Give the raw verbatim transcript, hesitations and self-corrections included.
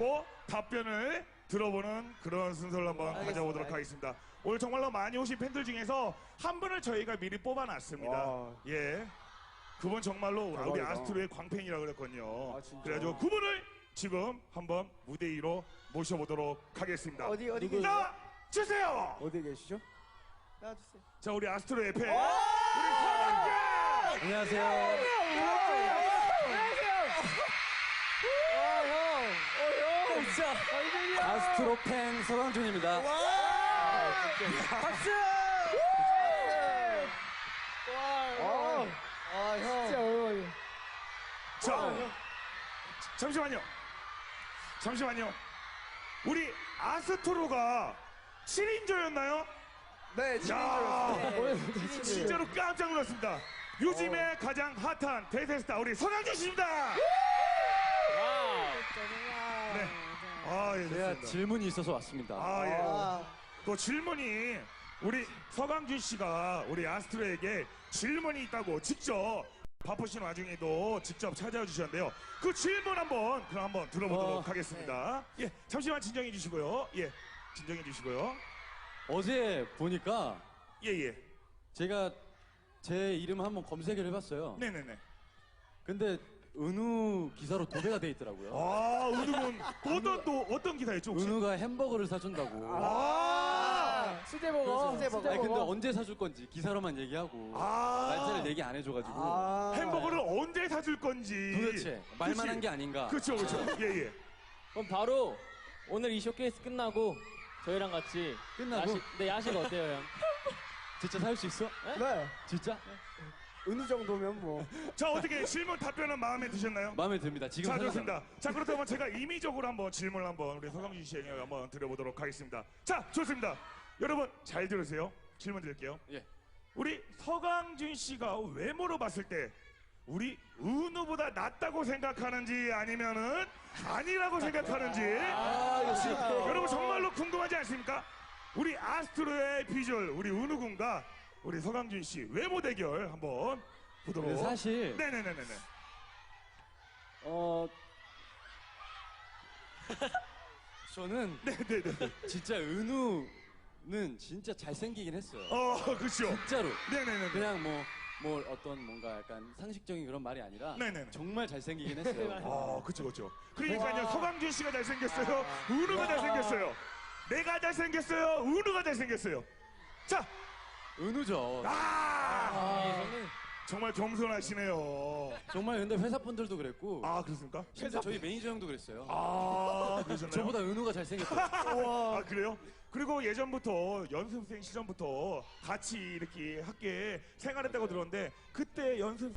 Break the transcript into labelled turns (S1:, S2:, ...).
S1: 받고 답변을 들어보는 그런 순서를 한번
S2: 알겠습니다.
S1: 가져보도록 하겠습니다. 오늘 정말로 많이 오신 팬들 중에서 한 분을 저희가 미리 뽑아놨습니다.
S3: 와.
S1: 예. 그분 정말로 우리
S3: 대박이다.
S1: 아스트로의 광팬이라 그랬거든요.
S3: 아, 진짜?
S1: 그래가지고 그분을 지금 한번 무대 위로 모셔보도록 하겠습니다.
S2: 어디 어디
S3: 누구-
S1: 나 주세요.
S3: 어디 계시죠?
S2: 나와주세요.
S1: 자, 우리 아스트로의 팬 우리 서강준.
S4: 안녕하세요.
S2: 진짜.
S4: 아스트로 팬 서강준입니다.
S2: 박수.
S3: 아,
S2: 아 형.
S3: 진짜 어려워요.
S1: 자, 잠시만요. 잠시만요. 우리 아스트로가 칠 인조였나요?
S3: 네,
S1: 야,
S3: 진짜였어요.
S1: 진짜로 깜짝 놀랐습니다. 요즘에 가장 핫한 대세스타 우리 서강준 씨입니다. 네. 아, 예,
S4: 제가
S1: 좋습니다.
S4: 질문이 있어서 왔습니다.
S1: 아, 예.
S2: 아,
S1: 그 질문이 우리 서강준 씨가 우리 아스트로에게 질문이 있다고 직접 바쁘신 와중에도 직접 찾아와 주셨는데요. 그 질문 한번 그럼 한번 들어보도록
S4: 어,
S1: 하겠습니다. 예, 잠시만 진정해 주시고요. 예, 진정해 주시고요.
S4: 어제 보니까
S1: 예, 예.
S4: 제가 제 이름 한번 검색을 해봤어요.
S1: 네네네.
S4: 근데 은우 기사로 도배가 돼 있더라고요.
S1: 아, 은우군 어떤 또 어떤 기사였죠 혹시?
S4: 은우가 햄버거를 사준다고.
S1: 아,
S2: 수제버거.
S4: 그래서-
S2: 수제버거.
S4: 아니 근데 언제 사줄 건지 기사로만 얘기하고
S1: 아.
S4: 날짜를 얘기 안 해줘가지고
S3: 아,
S1: 햄버거를 언제 사줄 건지
S4: 도대체 말만 한 게 아닌가.
S1: 그렇죠, 그렇죠. 예, 예.
S5: 그럼 바로 오늘 이 쇼케이스 끝나고 저희랑 같이
S4: 끝나고?
S5: 야식, 네 야식 어때요 형?
S4: 진짜 살 수 있어?
S3: 네.
S4: 진짜?
S3: 은우 정도면 뭐.
S1: 자, 어떻게 질문 답변은 마음에 드셨나요?
S4: 마음에 듭니다. 지금
S1: 자,
S4: 생각나요.
S1: 좋습니다. 자, 그렇다면 제가 임의적으로 한번 질문을 한번 우리 서강준 씨에게 한번 드려보도록 하겠습니다. 자, 좋습니다. 여러분 잘 들으세요. 질문 드릴게요.
S4: 예.
S1: 우리 서강준 씨가 외모로 봤을 때 우리 은우보다 낫다고 생각하는지 아니면은 아니라고 생각하는지 여러분 정말로 궁금하지 않습니까? 우리 아스트로의 비주얼 우리 은우 군과 우리 서강준 씨 외모 대결 한번 보도록.
S4: 근데 사실
S1: 네네네네네.
S4: 어 저는
S1: 네네네.
S4: 진짜 은우는 진짜 잘생기긴 했어요.
S1: 어, 그렇죠.
S4: 진짜로.
S1: 네네네.
S4: 그냥 뭐, 뭐 어떤 뭔가 약간 상식적인 그런 말이 아니라
S1: 네네네.
S4: 정말 잘생기긴 했어요.
S1: 어, 그쵸, 그쵸. 그러니까요, 서강준 씨가 잘생겼어요. 은우가 잘생겼어요. 내가 잘생겼어요. 은우가 잘생겼어요. 자,
S4: 은우죠.
S1: 아! 정말 겸손하시네요.
S4: 정말 근데 회사분들도 그랬고
S1: 아, 그렇습니까?
S4: 심지어 저희 매니저 형도 그랬어요.
S1: 아, 그러셨나요?
S4: 저보다 은우가 잘생겼어요.
S1: 아, 그래요? 그리고 예전부터 연습생 시절부터 같이 이렇게 학교에 생활했다고 들었는데 그때 연습